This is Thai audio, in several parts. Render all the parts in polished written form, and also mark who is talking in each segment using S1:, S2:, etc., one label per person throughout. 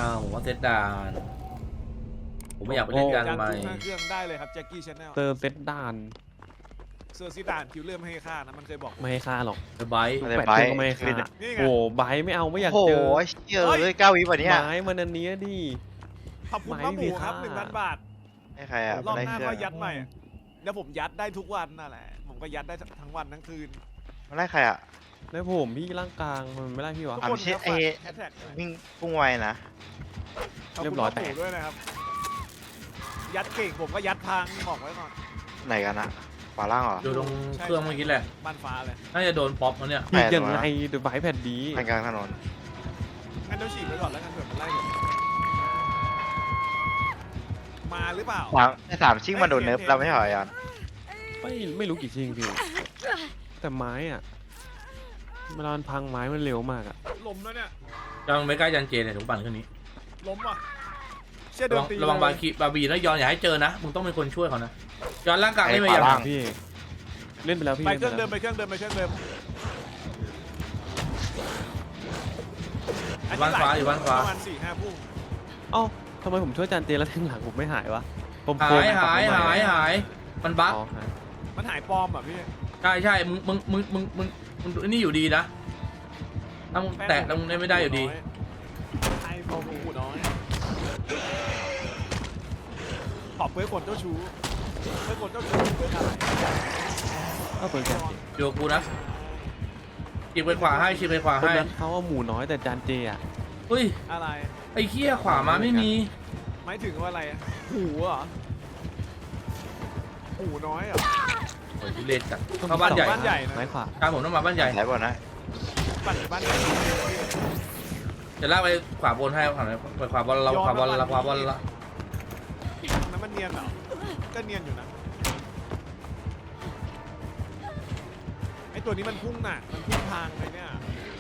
S1: ผมว่าเซตดานผมไม่อยากไปเล่นกัน
S2: จาน
S1: ใหม่
S2: ทุกเครื่องได้เลยครับแจ็คกี้ชาแนล
S3: เซอร์เซตด่าน
S2: เซอร์ซิดานคิวเริ่มให้ค่านะมันเคยบอก
S3: ไม่ให้ค่าหรอก
S1: ไบค์
S4: อะไร
S3: แปด
S4: ไบ
S3: เครื่องก็ไม่ให้ค่า
S2: นี่ไง
S3: โอ้ไบร์ทไม่เอาไม่อยาก
S4: โอ้โห
S3: เจอ
S4: เชี่ยเลย9 วิวันนี้
S3: ไม้มันอันเนี้ยดิ
S2: ขอบคุณป้าหมูครับ 1,000 บาท
S4: ให้ใครอ่ะ
S2: รอบ
S4: ได้
S2: หน้า
S4: เครื่อ
S2: ก็
S4: ง
S2: ยัดใหม่แล้วผมยัดได้ทุกวันนั่นแหละผมก็ยัดได้ทั้งวันทั้งคืน
S4: มันได้ใครอ่ะ
S3: แล้วผมพี่ร่างกลางมันไม่ไล่พี่วะ
S2: ทุก
S4: อ่ะ
S2: ค
S4: ไม่
S2: น
S4: ใช่
S2: ครับ
S4: ไอ้
S2: แฮชแท็ก
S4: วิ่งพุ่งไวนะ
S2: ขอบ
S3: เรี
S2: คุ
S3: ย
S2: ณ
S3: บร้อย
S2: ป้าหมู
S3: แตก
S2: ด้วยนะครับ ยัดเก่งผมก็ยัดพังบอกไว้ก่อน
S4: ไหนกันนะขวาล่างเหรอ
S1: อยู่ตรงเครื่องเมื่อกี้แหละ
S2: บ้านฟ้าเลย
S1: น่าจะโดนป๊อปแล้วเนี่ย
S3: พี่ยังไงเดี๋ยวไบร์ทแผ่นดี
S4: ทางกลางถนน
S2: งั้นเดี๋ยวฉีกไปก่อนแล้วกันเผื่อมันไล่ผมมาหรือเปล่า
S4: สามชิ่งมันโดนเนิร์ฟเราไม่ใช่เหรอยัน
S3: ไม่รู้กี่ชิงพี่แต่ไม้อะเวลามันพังไม้มันเร็วมากอะ
S2: ล้มแล้วเนี่ย
S1: ยังไม่ใกล้จันเจเนี่ยถุงปั่นเครื่องนี้
S2: ล้มว่ะเชี่ยเดิ
S1: ระ
S2: น
S1: วัง
S2: ตี
S1: ระวัง
S2: เลย
S1: บาบีนะยอนอย่าให้เจอนะมึงต้องเป็นคนช่วยเขานะยอนร่างกายไม่มาอย่าง
S3: พี่เล่นไปแล้วพี่
S2: ไปเครื่อง
S3: ล่
S2: เดิ
S3: น
S2: ม
S3: ไป
S2: ไปเครื่องเดิมไปเครื่องเดิม
S1: บ้านฟ้าอยู่บ้านฟ้า
S2: ประมาณ4-5 พุ่ง
S3: เอ้าทำไมผมช่วยจานเจแล้วแทงหลังผมไม่หายวะผม
S1: หายหายหายหายมันบั๊ก
S3: อ๋อหาย
S2: มันหายปลอมอ่ะพี่
S1: ใช่ใช่มึงนี่อยู่ดีนะถ้ามึงแตะแล้วมึงไม่ได้อยู่ดี
S2: ไอ้ปลอมหูน้อยขอบเพื่อคนเจ้าชู้เพื่อคนเจ้าชู้เพื่ออะไร
S3: ก็เปิดจานเจ
S1: อยู่กับกูนะฉีกไปขวาให้ฉีกไปขวา
S3: คน
S1: ให้
S3: นั้นเขาเอาหมูน้อยแต่จานเจอะ
S1: เฮ้ย
S2: อะไร
S1: ไอ้เคี้ยขวามาไม่มี
S2: หมายถึงว่าอะไรอะหูเหรอหูน้อยเหรอ
S1: โอ้ยทุเรศจัดเข้าบ้านใหญ่
S2: บ้านใหญ่นะ
S3: ไม้ขวา
S1: การผมต้องมาบ้านใหญ่
S4: ไหนก่อนนะ
S2: ปั่นบ้านใหญ่
S1: จะลากไปขวาบนให้ขวาไปขวาบนเราขวาบนเราขวาบนละ
S2: นั้นมันเนียนเหรอก็เนียนอยู่นะไอตัวนี้มันพุ่งหนักมันพุ่งทางเลยเนี่ย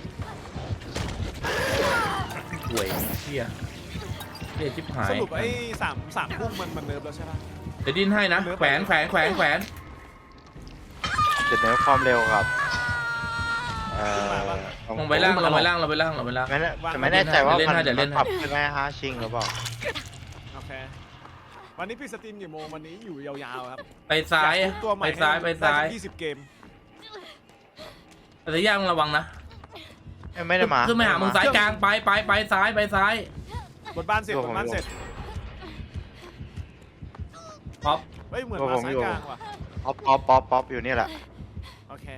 S1: ห่วยเคี้ยเรียชิบหาย
S2: สรุปไอ้สามพุ่งมันเนิร์ฟแล้วใช่ปะ
S1: เดี๋ยวดิ้นให้นะแขวนแขวนแขวนแขวน
S4: เดี๋ยวเนิร์ฟความเร็วครับ
S1: ลงไปล่างลงไปล่างลงไปล่างลงไปล่าง
S4: ไม่แน่ใจว่า
S1: เดี๋ยวเล่นให้
S4: มันปรับขึ้นไหมฮะชิงหรือเปล่า
S2: โอเควันนี้พี่สตรีมกี่โมงวันนี้อยู่ยาวๆครับ
S1: ไปซ้าย
S2: อทุบตัวใหม่
S1: ไปซ้ายไปซ้าย
S2: ได้20 เกม
S1: แต่ย่างระวังนะ
S4: ไม่ได้มา
S1: ขึ้นไปหามึงซ้ายกลางไปซ้ายไปซ้าย
S2: บนบ้านเสร็จบนบ้านเสร็จ
S1: ป๊อป
S2: เฮ้ยเหมือนมาซ้ายกลางว่ะ
S4: ป๊อปอยู่นี่แหละ
S2: โอเค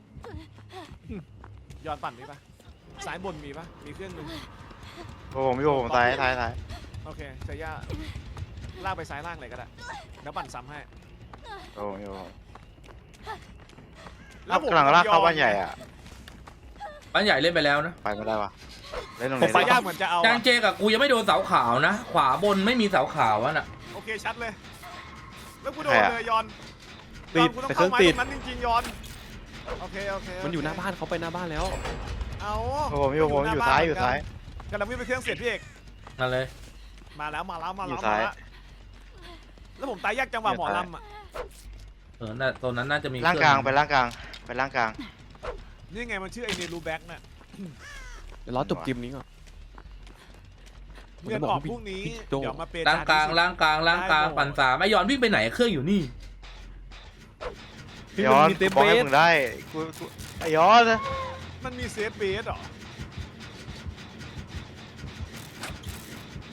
S2: ย้อนปั่นมีปะซ้ายบนมีปะมีเครื่องนึง
S4: ผมอยู่ผมซ้าย
S2: โอเคเซย่าลากไปซ้ายล่างเลยก็ได้แล้วปั่นซ้ำให้
S4: ผมอยู่แล้วกำลังลากเข้าบ้านใหญ่อ่ะ
S1: บ้านใหญ่เล่นไปแล้วนะ
S4: ไปไม่ได้ปะเล่นตรง
S2: ผม
S4: นี้
S2: ซ้ายยากเหมือนจะเอา
S1: จางเจกับกูยังไม่โดนเสาขาวนะ ขวาบนไม่มีเสาขาวน่ะ
S2: โอเคชัดเลยแล้วกูโดนเลยย้อน
S3: ติด
S2: กูต้
S3: แต่
S2: อง
S3: เครื่
S2: เข้า
S3: อง
S2: ไม้
S3: ติด
S2: ตรงนั้นจริงๆย้อนโอเค
S3: มันอยู่หน้าบ้านเขาไปหน้าบ้านแล้ว
S2: เอา
S4: ผมอยู่ซ้าย
S2: กำลังวิ่งไปเครื่องเสร็จพี่เอก
S1: นั่นเลย
S2: มาแล้ว
S4: อยู่ซ้าย
S2: แล้วผมตายยากจังหวะหมอลำอ่ะ
S1: น่ะตรงนั้นน่าจะมี
S4: ล่างกลางไปล่างกลาง
S2: นี่ไงมันชื่อไอเนรูแบ็กน่ะ
S3: เดี๋ยวรอจบเกมนี้ก่อน
S2: เงินออกพรุ่งนี้
S3: พี่โจ้
S2: เดี๋ยวมาเปย์
S1: ล่างกลางล่างกลางล่างกลางปั่นสามไอ้ยอนวิ่งไปไหนเครื่องอยู่นี่
S3: พี่
S4: ย้อน
S3: มันมีเต็ม
S4: บอก
S3: เบ
S4: ให้
S3: ส
S4: มึงได้กูไอ้ย้อน
S2: มันมีเซฟเบสเหรอ
S3: ผม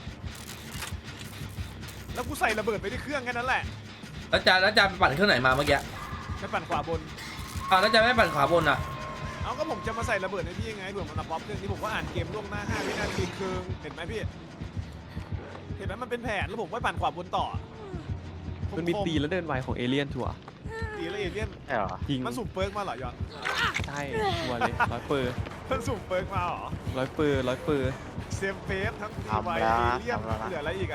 S2: แล้วกูใส่ระเบิดไปที่เครื่องแค่นั้นแหละ
S1: แล้วจานไปปั่นเครื่องไหนมาเมื่อกี้
S2: ไปปั่นขวาบน
S1: แล้วจานไม่ปั่นขวาบนอ่ะ
S2: เอาก็ผมจะมาใส่ระเบิดให้พี่ยังไงเผื่อมันมาป๊อปเครื่องนี้ผมก็อ่านเกมล่วงหน้า5 วินาทีครึ่งเห็นไหมพี่เห็นไหมมันเป็นแผนแล้วผมก็ปั่นขวาบนต่อ
S3: มันมีตีแล้วเดินไวของเอเลี่ยนชัวร์
S2: ตีแล้วเอเลี่ยน
S4: ใช่เหรอ
S3: จริง
S2: มันสุ่มเปิร์กมาเหรอยอน
S3: ใช่ชัวร์เลย100%
S2: มันสุ่มเปิร์กมาเหรอ
S3: 100%
S2: เซฟเฟสทั้งตีไวเอเลี่ยนเหลืออะไรอีกอะ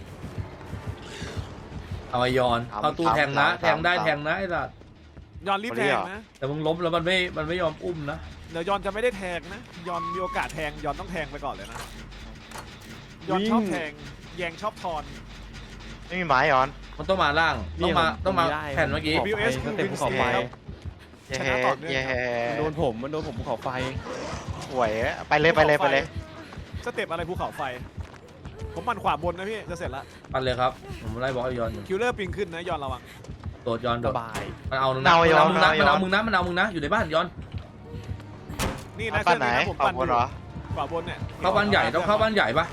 S1: เอาไอยอนเข้าตู้แทงนะแทงได้แทงนะไอ้สัส
S2: ยอนรีบแทงนะ
S1: แต่มึงล้มแล้วมันไม่ยอมอุ้มนะ
S2: เดี๋ยวยอนจะไม่ได้แทงนะยอนมีโอกาสแทงยอนต้องแทงไปก่อนเลยนะยอนชอบแทงแยงชอบทอน
S4: ไม่มีไม้ย้อน
S1: มันต้องมาล่างต้องมาแผ่นเมื่อกี้
S2: WS
S3: สเต็ปภูเขาไฟ
S4: เย้
S2: ชนะต่อเนื่อง
S4: เย้
S3: มันโดนผมภูเขาไฟ
S4: หวยไปเลย
S2: สเต็ปอะไรภูเขาไฟผมปั่นขวาบนนะพี่จะเสร็จละ
S1: ปันเลยครับผมไล่บล็อกไอ้ยอนอยู่
S2: คิวเลอร์ปิงขึ้นนะยอนระวัง
S1: โดดยอนโด
S3: ส
S1: ด
S3: บาย
S1: มันเอามึงนะมันเอามึงนะมันเอามึงนะมันเอามึงนะอยู่ในบ้านยอน
S2: นี่
S4: เอา
S2: นะ
S4: ปั้นไหน
S2: ผม
S4: เอา
S2: ปั่น
S4: บนเหรอ
S2: ขวาบนเนี่ย
S1: เข้าบ้านใหญ่ต้องเข้าบ้านใหญ่ปะ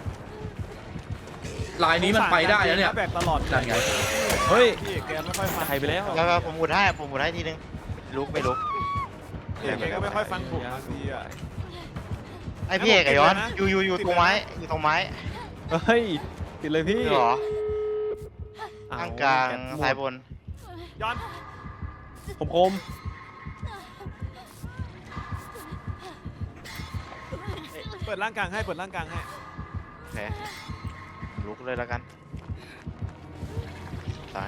S1: ลายนี้มันไปได้แล้วเนี่ย
S2: แบกตลอด
S1: นั่นไง
S3: เฮ้ย
S2: พี่เอกแกไม่ค่อยฟัง
S3: ใครไปแล้ว
S4: แล้วผมหมุดให้ทีนึงลุกไม่ลุก
S2: พี่เอกแกก็ไม่ค่อยฟังผมบางทีอ่ะ
S4: ไอพี่เอกไอ้ย้อน
S2: ติดเลยนะ
S4: อยู่
S2: ติด
S4: ตรง
S2: เลยนะ
S4: ไม้อยู่ตรงไม้
S3: เฮ้ยติดเลยพี่
S4: นี่เหรอ
S3: เอ
S4: ข้างกลาง
S3: แกะหมด
S4: ซ้ายบน
S2: ย้อน
S3: คม
S2: เปิดร่างกลางให้เปิดร่างกลางให้
S4: โอเคลุกเลยแล้วกันซ้าย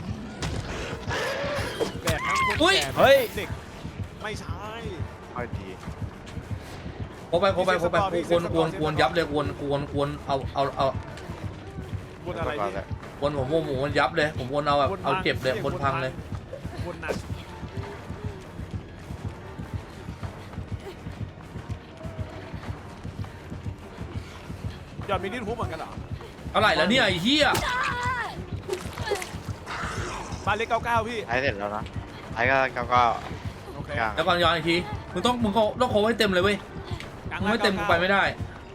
S2: แบกทั้งคน
S1: อุ้ย
S2: แก่
S3: เฮ้ย
S2: เด็กไม่ใช่
S4: ค่อยดี
S1: โคไปกวนยับเลยกวนเอา
S2: บนอะไร
S4: ก่อน
S2: พี่
S4: เลย
S1: วนผมวนยับเลยผมวนเอาแบบเอาเจ็บเลยวนพังเลย
S2: บนหนักยอนมีดิ้นฮุบเหมือนกันเหรอ
S1: อะไรแล้วเนี่ยไอ้เหี้ย
S2: บ้านเล็ก99พี่
S4: ท้ายเสร็จแล้วนะท้ายก็
S2: โอเค
S4: กลาง
S1: แล้วก่อนย้อนอีกทีมึงต้องโค้งให้เต็มเลยเว้ย
S2: กลาง
S1: มึงไม่เต็มกูไปไม่ได้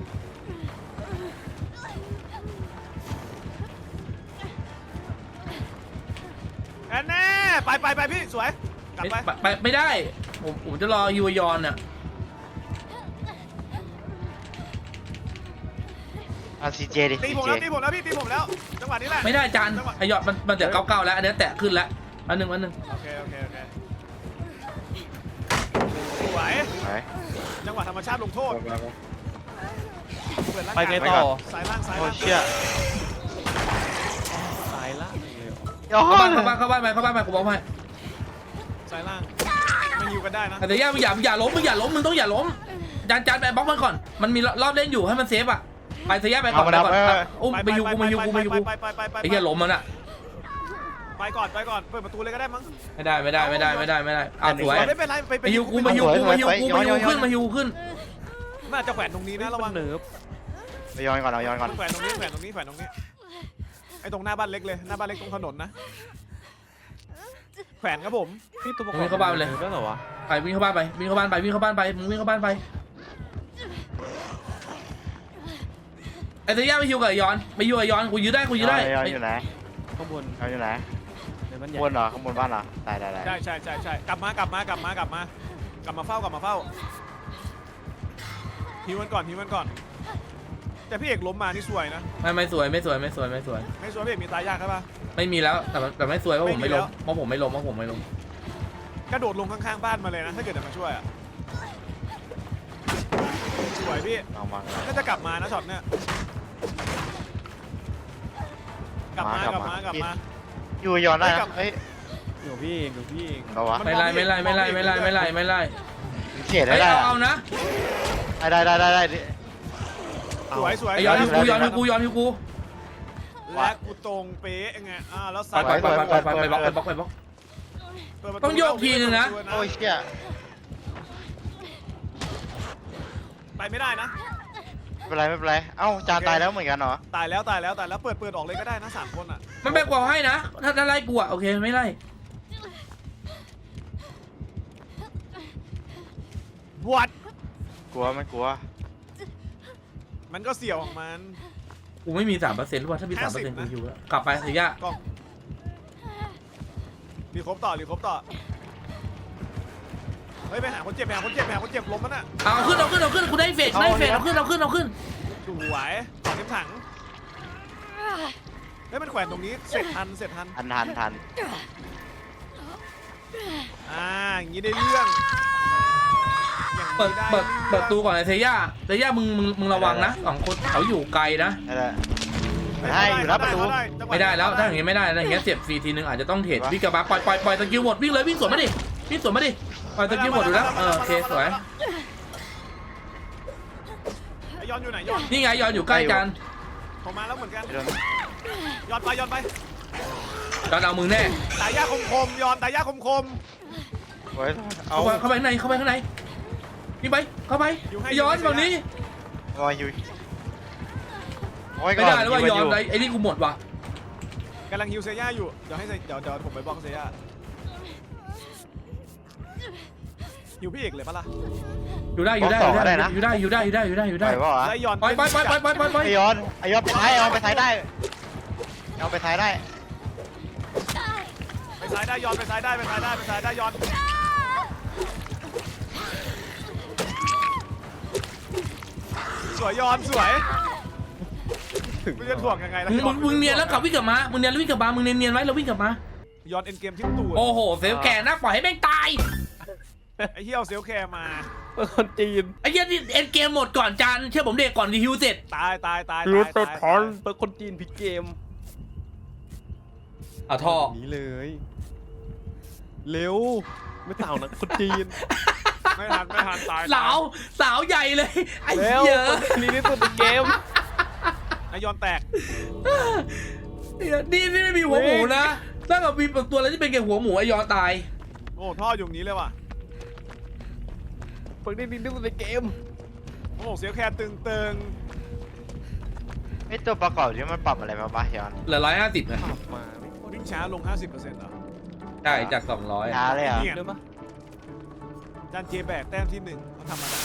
S2: แน่ไปพี่สวยกลับไป
S1: ไม่ได้ผมจะรอยูยอนเนี่ย
S4: เอาซีเจดิ
S2: ตีผมแล้วตีผมแล้วพี่ตีผมแล้วจังหวะนี้แหละ
S1: ไม่ได้จานไอยอดมันจะเก้าแล้วอันนี้แตะขึ้นแล้วอันหนึ่ง
S2: โอเคสวย
S4: ไหน
S2: จังหวะธรรมชาติลงโทษเปิดร่าง
S3: ๆไปไง
S2: กาย
S3: ต่อ
S2: สายล่างสาย
S4: โอ้
S2: ล่าง
S4: เชี่ย
S3: สายล่างเลยเหรอ
S4: ย้อ
S1: เข้าบ้านไปกูบอกให้
S2: สายล่างมันอยู่กันได้นะ
S1: แต่ย่ามึงอย่าล้มมึงต้องอย่าล้มจานไปบล็อกมันก่อนมันมีรอบเล่นอยู่ให้มันเซฟอ่ะไปเสียไปก่อนอุ้มไปยูกูไอ้เหี้ยล้มมันอ่ะ
S2: ไปก่อนเปิดประตูเลยก็ได้มั้ง
S1: ไม่ได้อ้าวสวย
S2: ไม่เป็นไรไป
S1: มาฮิวขึ้น
S2: น่าจะแขวนตรงนี้นะระวัง
S3: เนิร์ฟ
S4: ไปย้อนก่อนเอาย้อนก่อน
S2: แขวนตรงนี้ไอ้ตรงหน้าบ้านเล็กเลยหน้าบ้านเล็กตรงถนนนะแขวนครับผม
S3: พี่ตัวประกอบ
S1: วิ่งเข้าบ้านไปเลย
S3: ก็เหรอวะ
S1: ไปวิ่งเข้าบ้านไปมึงวิ่งเข้าบ้านไปไอ้เสียไปฮิวกับย้อนกูยื้อได้
S4: ย้อนอยู่ไหน
S3: ข้างบน
S4: ย้อนอยู่ไหน
S3: ในบ้านใหญ่
S4: บนเหรอข้างบนบ้านเหรอได้
S2: ใช่กลับมาเฝ้าฮิวมันก่อนแต่พี่เอกล้มมานี่สวยนะ
S1: ไม่สวย
S2: ไม่สวยพี่เอกมีตายยากใช่ปะ
S1: ไม่มีแล้วแต่ไม่สวยเพราะผมไม่ล้มเพราะผมไม่ล้ม
S2: กระโดดลงข้างๆบ้านมาเลยนะถ้าเกิดจะมาช่วยอ่ะสวยพี่
S4: เอามา
S2: น่าจะกลับมานะช็อตเนี่ยกลับมา
S4: อยู่ย้อนได้นะเฮ้ย
S3: เดี๋ยวพี่เอง
S4: เราวะ
S1: ไม่ไล่
S4: เฉียด
S1: ไอ้
S4: ได้
S1: เอานะ
S4: ได้
S2: สวย
S1: ไอ้ย้อนฮิวกูและ
S2: กูตรงเป๊ะไงแล้ว
S1: ไปบล็อกต้องโยกทีนึงนะ
S4: โอ้ยเชี่ย
S2: ไปไม่ได้นะ
S4: ไม่เป็นไรเอ้าจานตายแล้วเหมือนกันเหรอ
S2: ตายแล้วเปิดออกเลยก็ได้นะ3คนอ่ะ
S1: มันแบกกว่าให้นะถ้าไล่กูอ่ะโอเคไม่ไล่
S2: บวช
S4: กลัวไม่กลัว
S2: มันก็เสี่ยวของมัน
S1: กูไม่มี 3%หรือว่าถ้ามี 3% กูฮิวแล้วกลับไปเสีย
S2: กล้องรีครบต่อเฮ้ยไปหาคนเจ็บล้มมันอ่ะ
S1: เอาขึ้นกูได้เฟดเอาขึ้น
S2: สวยต่อเข็มถังเฮ้ยมันแขวนตรงนี้เสร็จทัน
S4: ทัน
S2: อย่างนี้ได้เรื่อง
S1: เปิดตูก่อนไอ้เสียมึงระวังนะ2คนเขาอยู่ไกลนะ
S4: ให้อยู่รับประตู
S1: ไม่ได้แล้วถ้าอย่างงี้ไม่ได้นะอย่างเงี้ยเจ็บฟรีทีนึงอาจจะต้องเทรดวิ่งกลับมาปล่อยสกิลหมดวิ่งเลยวิ่งสวนมาดิปล่อยสกิลหมดอยู่แล้วโอเคสวย
S2: ย้อนอยู่ไหนย้อน
S1: นี่ไงย้อนอยู่ใกล้กัน
S2: ผมมาแล้วเหมือนกันย้อนไป
S1: ย้อนเอามึงแน่
S2: ตายยากคมย้อนตายยากคม
S4: เอา
S1: เข้าไปข้างในวิ่งไปเข้าไปย้อนฝั่งนี้
S4: โอ้ยอยู่โอ้ย
S1: ไม่
S4: ก่อน
S1: ได้แล้วว่ายอมไอ้นี่กูหมดว่ะ
S2: กำลังฮิวเซียอยู่เดี๋ยวผมไปบล็อกเซียฮิวพี่เอกเลยปะล่ะ
S1: อยู่ได้อยู่ได้อยู่ได้อยู่ได้อยู่ได้อยู่ได้อยู่ได้อยู่
S4: ได้
S1: ได้
S4: ป่าวะ
S2: ไล่ย้อน
S1: ไปไปไปไปไปไปไป
S4: ไอยอนไปท้ายเอาไปท้ายได้เอาไปท้ายได้
S2: ไปซ้ายได้ย้อนไปซ้ายได้ไปซ้ายได้ไปซ้ายได้ย้อนสวยย้อนสวยมึงจะถ่วงยังไงล่ะ
S1: มึงเนียนแล้วกลับวิ่งกลับมามึงเนียนแล้ววิ่งกลับมามึงเนียนไว้แล้ววิ่งกลับมา
S2: ย้อนเอ็นเกมที่ตูด
S1: โอ้โหเซลแก่นะปล่อยให้แม่งตาย
S2: ไอ้เหี้ยเอาเซลแคร์มา
S3: เป็นคนจีน
S1: ไอ้เหี้ยนี่เอ็นเกมหมดก่อนจานเชื่อผมเด็กก่อนดีฮิวเสร็จ
S2: ตาย
S3: รู้ตัวถอนเป็นคนจีนผิดเกม
S1: เอาท่อ
S3: นี้เลย เร็วไม่เต่านะคนจีน
S2: ไม่ทันตาย
S1: สาวใหญ่เลยไอ้
S3: เร็ว
S1: เหี้ย
S3: คนจีนที่สุดในเกม
S2: ไอ้ย้อนแตก
S1: นี่ไม่มีหัวหมูนะถ้าเกิดมีตัวอะไรที่เป็นแค่หัวหมูไอยอตาย
S2: โอ้ท่ออยู่นี้เลยว่ะ
S3: คนจีนที่สุดในเกม
S2: โอ้เซลแคร์ตึง
S4: ไอตัวประกอบที่มันปรับอะไรมาบ้างยอน
S1: เหลือ150นะ
S3: ปรับมาไม่โคตร
S2: วิ่งช้าลง 50%เหรอ
S1: ใช่จาก200
S4: ช้าเลยเหรอ่ะ
S2: เนี่ย
S3: เร็วปะ
S2: จานเจแบกแต้มที่1เขาทำมาได้